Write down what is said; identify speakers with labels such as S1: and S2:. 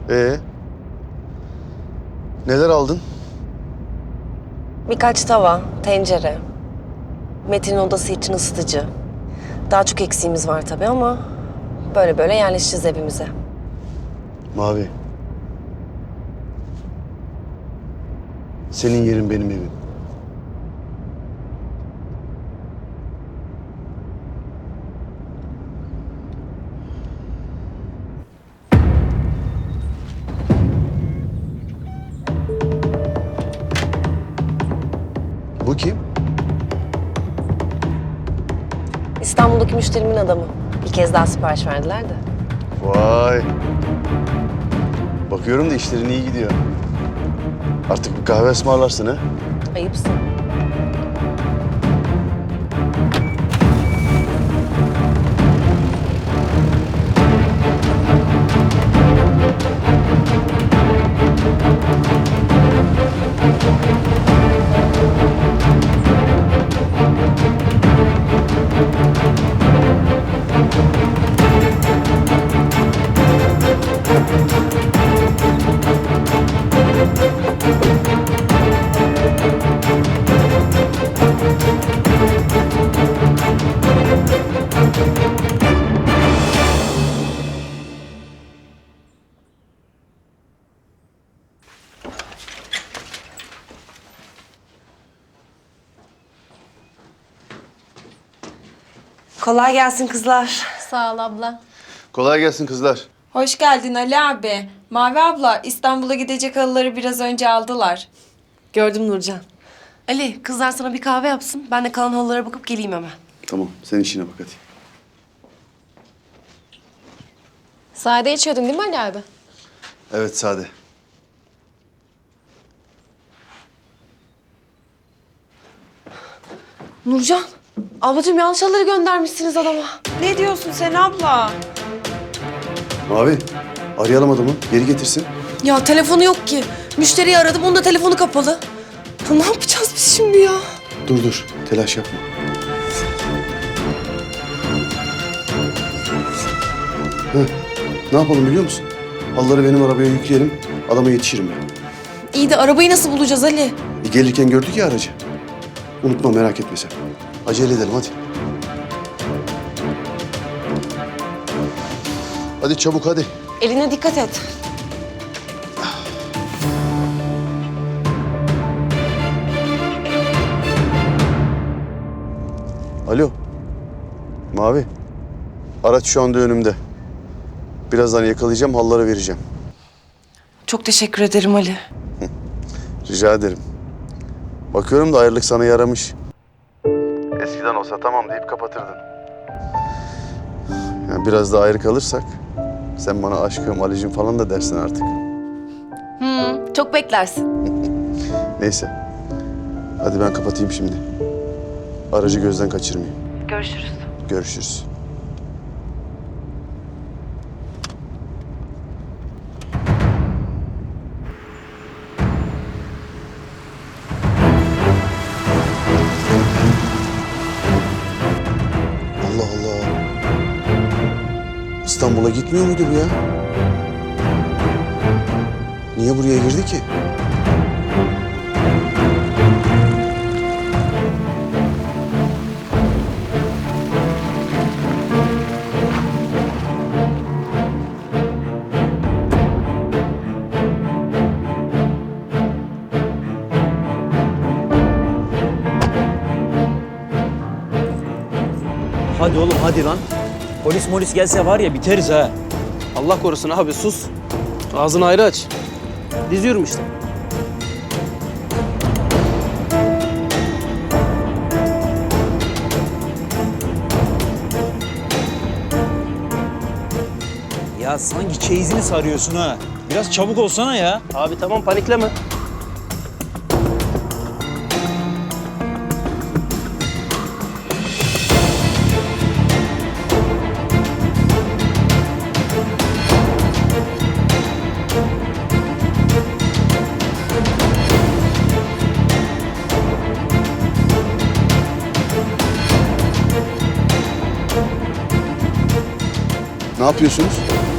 S1: Ee? Neler aldın?
S2: Birkaç tava, tencere. Metin'in odası için ısıtıcı. Daha çok eksiğimiz var tabii ama böyle böyle yerleşeceğiz evimize.
S1: Mavi. Senin yerin benim evim. Bu kim?
S2: İstanbul'daki müşterimin adamı. Bir kez daha sipariş verdiler de.
S1: Vay. Bakıyorum da işlerin iyi gidiyor. Artık bir kahve ısmarlarsın ha?
S2: Ayıpsın. Kolay gelsin kızlar.
S3: Sağ ol abla.
S1: Kolay gelsin kızlar.
S4: Hoş geldin Ali abi. Mavi abla İstanbul'a gidecek halıları biraz önce aldılar.
S2: Gördüm Nurcan. Ali, kızlar sana bir kahve yapsın. Ben de kalan halılara bakıp geleyim hemen.
S1: Tamam, sen işine bak hadi.
S3: Sade içiyordun değil mi Ali abi?
S1: Evet, sade.
S2: Nurcan, ablacığım yanlış halıları göndermişsiniz adama.
S4: Ne diyorsun sen abla?
S1: Mavi, arayalım adamı, geri getirsin.
S2: Ya telefonu yok ki. Müşteriyi aradım, onun da telefonu kapalı. Ya ne yapacağız biz şimdi ya?
S1: Dur, telaş yapma. Heh, ne yapalım biliyor musun? Halıları benim arabaya yükleyelim, adama yetişirim ben.
S2: İyi de arabayı nasıl bulacağız Ali?
S1: Gelirken gördük ya aracı. Unutma, merak etme sen. Acele edelim hadi. Hadi çabuk hadi.
S2: Eline dikkat et.
S1: Alo. Mavi. Araç şu anda önümde. Birazdan yakalayacağım, halılara vereceğim.
S2: Çok teşekkür ederim Ali.
S1: Rica ederim. Bakıyorum da ayrılık sana yaramış. Eskiden olsa tamam deyip kapatırdın. Yani biraz daha ayrı kalırsak sen bana aşkım, Ali'cim falan da dersin artık.
S2: Çok beklersin.
S1: Neyse. Hadi ben kapatayım şimdi. Aracı gözden kaçırmayayım.
S2: Görüşürüz.
S1: Görüşürüz. Allah Allah. İstanbul'a gitmiyor muydu bu ya? Niye buraya girdi ki?
S5: Hadi oğlum hadi lan. Polis gelse var ya biteriz ha.
S6: Allah korusun abi sus. Ağzını ayrı aç. Diziyorum işte.
S5: Ya sanki çeyizini sarıyorsun ha. Biraz çabuk olsana ya.
S6: Abi tamam panikleme.
S1: Ne yapıyorsunuz?